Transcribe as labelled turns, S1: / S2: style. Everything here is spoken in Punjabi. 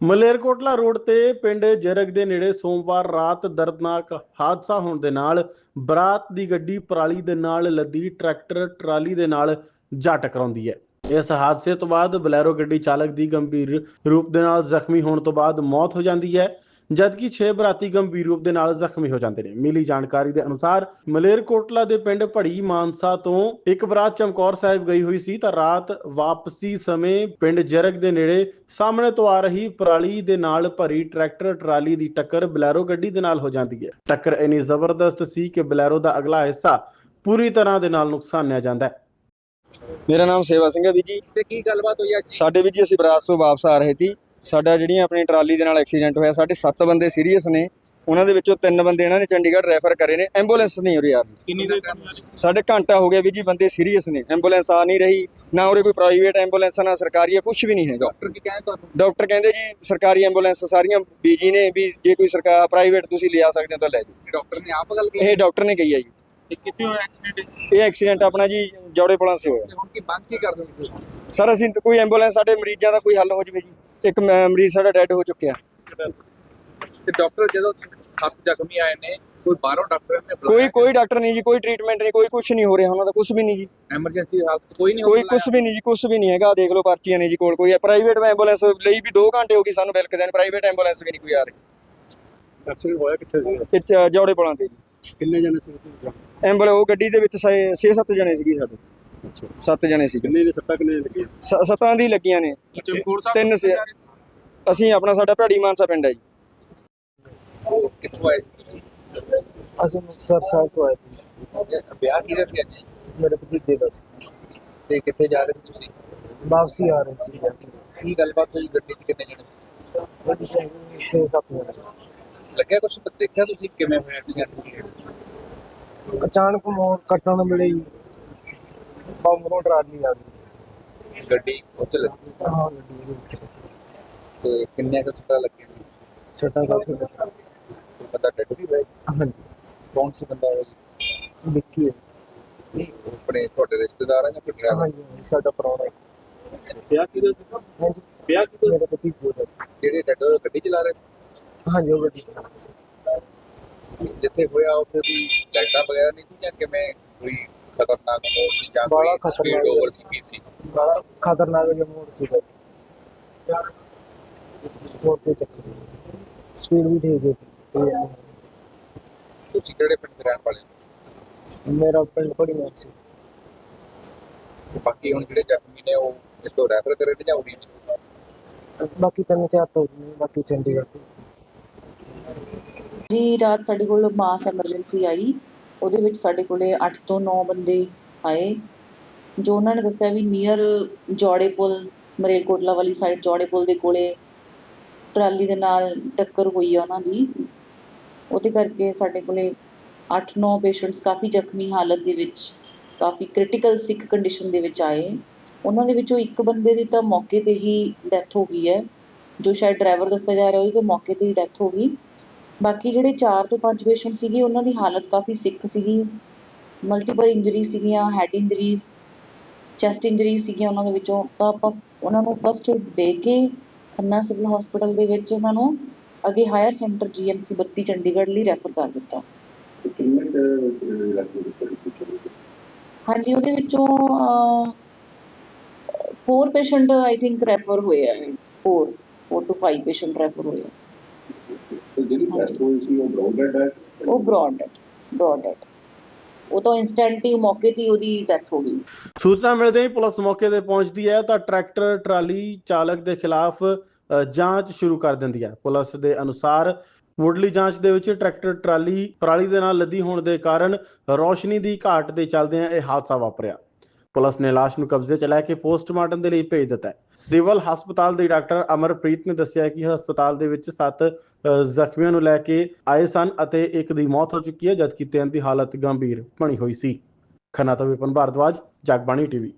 S1: ਮਲੇਰਕੋਟਲਾ ਰੋਡ ਤੇ ਪਿੰਡ ਜਰਗ ਦੇ ਨੇੜੇ ਸੋਮਵਾਰ ਰਾਤ ਦਰਦਨਾਕ ਹਾਦਸਾ ਹੋਣ ਦੇ ਨਾਲ ਬਰਾਤ ਦੀ ਗੱਡੀ ਪਰਾਲੀ ਦੇ ਨਾਲ ਲੱਦੀ ਟਰੈਕਟਰ ਟਰਾਲੀ ਦੇ ਨਾਲ ਜਾ ਟਕਰਾਉਂਦੀ ਹੈ। ਇਸ ਹਾਦਸੇ ਤੋਂ ਬਾਅਦ ਬਲੈਰੋ ਗੱਡੀ ਚਾਲਕ ਦੀ ਗੰਭੀਰ ਰੂਪ ਦੇ ਨਾਲ ਜ਼ਖਮੀ ਹੋਣ ਤੋਂ ਬਾਅਦ ਮੌਤ ਹੋ ਜਾਂਦੀ ਹੈ, ਜਦਕਿ 6 ਬਰਾਤੀ ਗੰਭੀਰ ਰੂਪ ਦੇ ਨਾਲ ਜ਼ਖਮੀ ਹੋ ਜਾਂਦੇ ਨੇ। ਮਿਲੀ ਜਾਣਕਾਰੀ ਦੇ ਅਨੁਸਾਰ ਮਲੇਰਕੋਟਲਾ ਦੇ ਪਿੰਡ ਭੜੀ ਮਾਨਸਾ ਤੋਂ ਇੱਕ ਬਰਾਤ ਚਮਕੌਰ ਸਾਹਿਬ ਗਈ ਹੋਈ ਸੀ ਤਾਂ ਰਾਤ ਵਾਪਸੀ ਸਮੇਂ ਪਿੰਡ ਜਰਗ ਦੇ ਨੇੜੇ ਸਾਹਮਣੇ ਤੋਂ ਆ ਰਹੀ ਪਰਾਲੀ ਦੇ ਨਾਲ ਭਰੀ ਟਰੈਕਟਰ ਟਰਾਲੀ ਦੀ ਟੱਕਰ ਬਲੈਰੋ ਗੱਡੀ ਦੇ ਨਾਲ ਹੋ ਜਾਂਦੀ ਹੈ। ਟੱਕਰ ਇੰਨੀ ਜ਼ਬਰਦਸਤ ਸੀ ਕਿ ਬਲੈਰੋ ਦਾ ਅਗਲਾ ਹਿੱਸਾ ਪੂਰੀ ਤਰ੍ਹਾਂ ਦੇ ਨਾਲ ਨੁਕਸਾਨਿਆ ਜਾਂਦਾ ਹੈ।
S2: ਮੇਰਾ ਨਾਮ ਸੇਵਾ ਸਿੰਘ ਹੈ ਵੀ ਜੀ।
S3: ਤੇ ਕੀ ਗੱਲਬਾਤ ਹੋਈ ਅੱਜ?
S2: ਸਾਡੇ ਵੀ ਜੀ ਅਸੀਂ ਬਰਾਤ ਤੋਂ ਵਾਪਸ ਆ ਰਹੇ ਸੀ। ਸਾਡਾ ਜਿਹੜੀਆਂ ਆਪਣੀ ਟਰਾਲੀ ਦੇ ਨਾਲ ਐਕਸੀਡੈਂਟ ਹੋਇਆ, ਸਾਡੇ 7 ਬੰਦੇ ਸੀਰੀਅਸ ਨੇ, ਉਹਨਾਂ ਦੇ ਵਿੱਚੋਂ 3 ਬੰਦੇ ਇਹਨਾਂ ਨੇ ਚੰਡੀਗੜ੍ਹ ਰੈਫਰ ਕਰੇ ਨੇ। ਐਂਬੂਲੈਂਸ ਨਹੀਂ ਉਰੇ ਆ ਰਹੀ।
S3: ਕਿੰਨੀ ਦੇਰ
S2: ਸਾਡੇ ਘੰਟਾ ਹੋ ਗਿਆ ਵੀ ਜੀ, ਬੰਦੇ ਸੀਰੀਅਸ ਨੇ, ਐਂਬੂਲੈਂਸ ਆ ਨਹੀਂ ਰਹੀ। ਨਾ ਉਰੇ ਕੋਈ ਪ੍ਰਾਈਵੇਟ ਐਂਬੂਲੈਂਸ ਨਾ ਸਰਕਾਰੀ ਹੈ, ਕੁਝ ਵੀ ਨਹੀਂ ਹੈਗਾ।
S3: ਡਾਕਟਰ ਕੀ ਕਹਿੰਦੇ ਤੁਹਾਨੂੰ?
S2: ਡਾਕਟਰ ਕਹਿੰਦੇ ਜੀ ਸਰਕਾਰੀ ਐਂਬੂਲੈਂਸ ਸਾਰੀਆਂ ਬੀਜੀ ਨੇ, ਵੀ ਜੇ ਕੋਈ ਸਰਕਾਰ ਪ੍ਰਾਈਵੇਟ ਤੁਸੀਂ ਲਿਆ ਸਕਦੇ ਹੋ ਤਾਂ ਲੈ ਜਾਓ।
S3: ਡਾਕਟਰ ਨੇ ਆਪ ਗੱਲ ਕੀਤੀ?
S2: ਇਹ ਡਾਕਟਰ ਨੇ ਕਹੀ ਹੈ ਜੀ।
S3: ਤੇ ਕਿੱਥੇ ਹੋਇਆ ਐਕਸੀਡੈਂਟ?
S2: ਇਹ ਐਕਸੀਡੈਂਟ ਆਪਣਾ ਜੀ ਜੌੜੇ ਪੁਲਾਂ ਸੇ ਹੋਇਆ।
S3: ਹੁਣ ਕੀ ਬੰਦ ਕੀ ਕਰਦੇ ਹੋ ਤੁਸੀਂ?
S2: ਸਰ ਅਸੀਂ ਕੋਈ ਐਂਬੂਲੈਂਸ, ਸਾਡੇ ਮਰੀਜ਼ਾਂ ਦਾ ਕੋਈ ਹੱਲ ਹੋ ਜਵੇ ਜੀ। ਇੱਕ ਮਰੀਜ਼ ਸਾਡਾ ਡੈਡ ਹੋ ਚੁੱਕਿਆ।
S3: ਤੇ ਡਾਕਟਰ ਜਦੋਂ 7 ਜ਼ਖਮੀ ਆਏ ਨੇ, ਕੋਈ ਬਾਹਰੋਂ ਡਾਕਟਰ ਨੇ
S2: ਕੋਈ ਡਾਕਟਰ ਨਹੀਂ ਜੀ, ਕੋਈ ਟ੍ਰੀਟਮੈਂਟ ਨਹੀਂ, ਕੋਈ ਕੁਝ ਨਹੀਂ ਹੋ ਰਿਹਾ ਉਹਨਾਂ ਦਾ, ਕੁਝ ਵੀ ਨਹੀਂ ਜੀ।
S3: ਐਮਰਜੈਂਸੀ ਹਾਲਤ ਕੋਈ ਨਹੀਂ?
S2: ਕੋਈ ਕੁਝ ਵੀ ਨਹੀਂ ਜੀ, ਕੁਝ ਵੀ ਨਹੀਂ ਹੈਗਾ। ਦੇਖ ਲਓ ਪਰਚੀਆਂ ਨੇ ਜੀ ਕੋਲ। ਕੋਈ ਪ੍ਰਾਈਵੇਟ ਐਂਬੂਲੈਂਸ ਲਈ ਵੀ 2 ਘੰਟੇ ਹੋ ਗਏ ਸਾਨੂੰ ਬਿਲਕਦੇ ਨੇ, ਪ੍ਰਾਈਵੇਟ ਐਂਬੂਲੈਂਸ ਵੀ ਨਹੀਂ ਕੋਈ ਆ ਰਹੀ।
S4: ਐਕਸੀਡੈਂਟ ਹੋਇਆ ਕਿੱਥੇ ਸੀ?
S2: ਇੱਥੇ ਜੌੜੇ ਪੁਲਾਂ ਤੇ ਜੀ।
S4: ਕਿੰਨੇ ਜਣੇ ਸੀ?
S2: ਐਂਬੂਲੈਂਸ ਉਹ ਗੱਡੀ ਦੇ ਵਿੱਚ 6-7 ਜਣੇ ਸੀਗੇ ਸਾਡੇ।
S4: ਅੱਛਾ,
S2: 7 ਜਣੇ ਸੀਗੇ।
S4: ਕਿੰਨੇ ਦੇ ਸੱਟਾਂ ਕਿੰਨੇ ਲੱਗੀਆਂ?
S2: 7 ਦੀ ਲੱਗੀਆਂ ਨੇ।
S3: ਚਮਕੌਰ
S2: 3 ਅਸੀਂ ਆਪਣਾ ਸਾਡਾ ਭੜੀ ਮਾਨਸਾ ਪਿੰਡ ਹੈ ਜੀ।
S3: ਕਿੱਥੋਂ ਆਏ ਸੀ?
S5: ਅਸੀਂ ਮੁਕਤਸਰ ਸਾਹਿਬ ਤੋਂ ਆਏ ਸੀ।
S3: ਵਿਆਹ ਕਿਹਦਾ ਸੀ ਅੱਜ?
S5: ਮੇਰੇ ਭਤੀਜੇ ਦਾ ਸੀ।
S3: ਤੇ ਕਿੱਥੇ ਜਾ ਰਹੇ ਸੀ ਤੁਸੀਂ?
S5: ਵਾਪਸੀ ਆ ਰਹੇ ਸੀ।
S3: ਕੀ ਗੱਲਬਾਤ ਹੋਈ? ਗੱਡੀ 'ਚ ਕਿੰਨੇ ਜਣੇ?
S5: ਗੱਡੀ ਚ 6-7 ਜਣੇ।
S3: ਲੱਗਿਆ ਕੁਝ? ਦੇਖਿਆ ਤੁਸੀਂ ਕਿਵੇਂ ਹੋਇਆ ਐਕਸੀਡੈਂਟ?
S5: ਅਚਾਨਕ ਮੋੜ ਕੱਟਣ ਵੇਲੇ ਹੀ ਬੰਮਰੋਂ ਟਰਾਲੀ ਆ ਗਈ।
S3: ਗੱਡੀ ਉੱਥੇ ਲੱਗੀ?
S5: ਹਾਂ, ਗੱਡੀ ਦੇ ਵਿੱਚ
S3: ਤੇ ਕਿੰਨੇ ਕੁ ਸੱਟਾਂ ਲੱਗੀਆਂ?
S5: ਛੱਟਾ ਕਾਫੀ ਲੱਗਾ।
S3: ਪਤਾ ਡੈਡ ਵੀ ਹੋਇਆ?
S5: ਹਾਂਜੀ,
S3: ਕੌਣ ਸੀ ਬੰਦਾ ਉਹ ਜੀ?
S5: ਵਿੱਕੀ ਹੈ।
S3: ਨਹੀਂ, ਆਪਣੇ ਤੁਹਾਡੇ ਰਿਸ਼ਤੇਦਾਰ ਆ ਜਾਂ ਕੋਈ ਡਰਾਈਵਰ?
S5: ਹਾਂਜੀ, ਸਾਡਾ ਪ੍ਰਾਹੁਣਾ ਹੈ।
S3: ਵਿਆਹ ਕਿਹਦਾ ਸੀ?
S5: ਹਾਂਜੀ,
S3: ਵਿਆਹ ਕਿਹਦਾ?
S5: ਮੇਰੇ ਭਤੀਜੇ ਦਾ ਸੀ।
S3: ਜਿਹੜੇ ਡੈਡ ਗੱਡੀ ਚਲਾ ਰਹੇ ਸੀ?
S5: ਹਾਂਜੀ, ਉਹ ਗੱਡੀ ਚਲਾ ਰਹੇ ਸੀ।
S3: ਜਿੱਥੇ ਹੋਇਆ ਉੱਥੇ ਦੀ ਲਾਈਟਾਂ ਵਗੈਰਾ ਨਹੀਂ ਸੀ ਜਾਂ ਕਿਵੇਂ? ਕੋਈ ਖਤਰਨਾਕ ਮੋੜ ਸੀ ਜਾਂ
S5: ਬੜਾ
S3: ਕੋਈ ਸਪੀਡ
S5: ਖਤਰਨਾਕ
S3: ਓਵਰ ਸੀ?
S5: ਬੜਾ ਖਤਰਨਾਕ ਜਿਹਾ ਮੋੜ ਸੀਗਾ। ਮੋੜ ਤੇ ਚੱਕਰ ਸਪੀਡ ਵੀ ਠੀਕ ਹੈ।
S3: ਤੁਸੀਂ ਕਿਹੜੇ ਪਿੰਡ ਦੇ ਰਹਿਣ ਵਾਲੇ ਹੋ?
S5: ਮੇਰਾ ਪਿੰਡ ਭੜੀ ਮਾਨ ਸੀ।
S3: ਤੇ ਬਾਕੀ ਹੁਣ ਜਿਹੜੇ ਜ਼ਖਮੀ ਨੇ ਉਹ ਇੱਥੋਂ ਰੈਫਰ ਕਰੇ ਤੇ ਜਾਂ ਉਰੀ?
S5: ਬਾਕੀ 3-4 ਤੋਂ ਬਾਕੀ ਚੰਡੀਗੜ੍ਹ ਤੋਂ।
S6: ਜੀ ਰਾਤ ਸਾਡੇ ਕੋਲ ਮਾਸ ਐਮਰਜੈਂਸੀ ਆਈ। ਉਹਦੇ ਵਿੱਚ ਸਾਡੇ ਕੋਲੇ 8 ਤੋਂ 9 ਬੰਦੇ ਆਏ, ਜੋ ਉਹਨਾਂ ਨੇ ਦੱਸਿਆ ਵੀ ਨੀਅਰ ਜੌੜੇ ਪੁਲ, ਮਲੇਰਕੋਟਲਾ ਵਾਲੀ ਸਾਈਡ ਜੌੜੇ ਪੁਲ ਦੇ ਕੋਲੇ ਟਰਾਲੀ ਦੇ ਨਾਲ ਟੱਕਰ ਹੋਈ ਆ ਉਹਨਾਂ ਦੀ। ਉਹਦੇ ਕਰਕੇ ਸਾਡੇ ਕੋਲੇ 8-9 ਪੇਸ਼ੈਂਟਸ ਕਾਫੀ ਜ਼ਖਮੀ ਹਾਲਤ ਦੇ ਵਿੱਚ, ਕਾਫੀ ਕ੍ਰਿਟੀਕਲ ਸਿੱਖ ਕੰਡੀਸ਼ਨ ਦੇ ਵਿੱਚ ਆਏ। ਉਹਨਾਂ ਦੇ ਵਿੱਚੋਂ ਇੱਕ ਬੰਦੇ ਦੀ ਤਾਂ ਮੌਕੇ 'ਤੇ ਹੀ ਡੈਥ ਹੋ ਗਈ ਹੈ, ਜੋ ਸ਼ਾਇਦ ਡਰਾਈਵਰ ਦੱਸਿਆ ਜਾ ਰਿਹਾ ਉਹਦੀ ਤਾਂ ਮੌਕੇ 'ਤੇ ਹੀ ਡੈਥ ਹੋ ਗਈ। ਬਾਕੀ ਜਿਹੜੇ 4 ਤੋਂ 5 ਪੇਸ਼ੈਂਟ ਸੀਗੇ ਉਹਨਾਂ ਦੀ ਹਾਲਤ ਕਾਫੀ ਸਿੱਖ ਸੀਗੀ। ਮਲਟੀਪਲ ਇੰਜਰੀ ਸੀਗੀਆਂ, ਹੈਡ ਇੰਜਰੀਜ਼, ਚੈਸਟ ਇੰਜਰੀਜ਼ ਸੀਗੀਆਂ ਉਹਨਾਂ ਦੇ ਵਿੱਚੋਂ। ਤਾਂ ਆਪਾਂ ਉਹਨਾਂ ਨੂੰ ਫਸਟ ਦੇ ਕੇ ਖੰਨਾ ਸਿਵਲ ਹਸਪੀਟਲ ਦੇ ਵਿੱਚ ਉਹਨਾਂ ਨੂੰ ਅੱਗੇ ਹਾਇਰ ਸੈਂਟਰ GMC 32 ਚੰਡੀਗੜ੍ਹ ਲਈ ਰੈਫਰ ਕਰ ਦਿੱਤਾ। ਹਾਂਜੀ, ਉਹਦੇ ਵਿੱਚੋਂ 4 ਪੇਸ਼ੈਂਟ ਆਈ ਥਿੰਕ ਰੈਫਰ ਹੋਏ ਆ। 4 to 5 ਪੇਸ਼ੈਂਟ ਰੈਫਰ ਹੋਏ ਆ। ਉਹ ਬ੍ਰੌਡ ਡੈਡ। ਉਹ ਤਾਂ ਇੰਸਟੈਂਟ ਹੀ ਮੌਕੇ 'ਤੇ ਉਹਦੀ ਡੈਥ ਹੋ ਗਈ।
S1: ਸੂਚਨਾ ਮਿਲਦੇ ਹੀ ਪੁਲਿਸ ਮੌਕੇ ਤੇ ਪਹੁੰਚਦੀ ਹੈ ਤਾਂ ਟਰੈਕਟਰ ਟਰਾਲੀ ਚਾਲਕ ਦੇ ਖਿਲਾਫ ਜਾਂਚ ਸ਼ੁਰੂ ਕਰ ਦਿੰਦੀ ਹੈ। ਪੁਲਿਸ ਦੇ ਅਨੁਸਾਰ ਮੁੱਢਲੀ ਜਾਂਚ ਦੇ ਵਿੱਚ ਟਰੈਕਟਰ ਟਰਾਲੀ ਪਰਾਲੀ ਦੇ ਨਾਲ ਲੱਦੀ ਹੋਣ ਦੇ ਕਾਰਨ ਰੌਸ਼ਨੀ ਦੀ ਘਾਟ ਦੇ ਚੱਲਦਿਆਂ ਇਹ ਹਾਦਸਾ ਵਾਪਰਿਆ। ਪੁਲਿਸ ਨੇ ਲਾਸ਼ ਨੂੰ ਕਬਜ਼ੇ 'ਚ ਲੈ ਕੇ ਪੋਸਟਮਾਰਟਮ ਦੇ ਲਈ ਭੇਜ ਦਿੱਤਾ ਹੈ। ਸਿਵਲ ਹਸਪਤਾਲ ਦੇ ਡਾਕਟਰ ਅਮਰਪ੍ਰੀਤ ਨੇ ਦੱਸਿਆ ਕਿ ਹਸਪਤਾਲ ਦੇ ਵਿੱਚ 7 ਜ਼ਖਮੀਆਂ ਨੂੰ ਲੈ ਕੇ ਆਏ ਸਨ ਅਤੇ ਇੱਕ ਦੀ ਮੌਤ ਹੋ ਚੁੱਕੀ ਹੈ, ਜਦਕਿ 3 ਦੀ ਹਾਲਤ ਗੰਭੀਰ ਬਣੀ ਹੋਈ ਸੀ। ਖੰਨਾ ਤੋਂ ਵਿਪਨ ਭਾਰਦਵਾਜ, ਜਗਬਾਣੀ TV।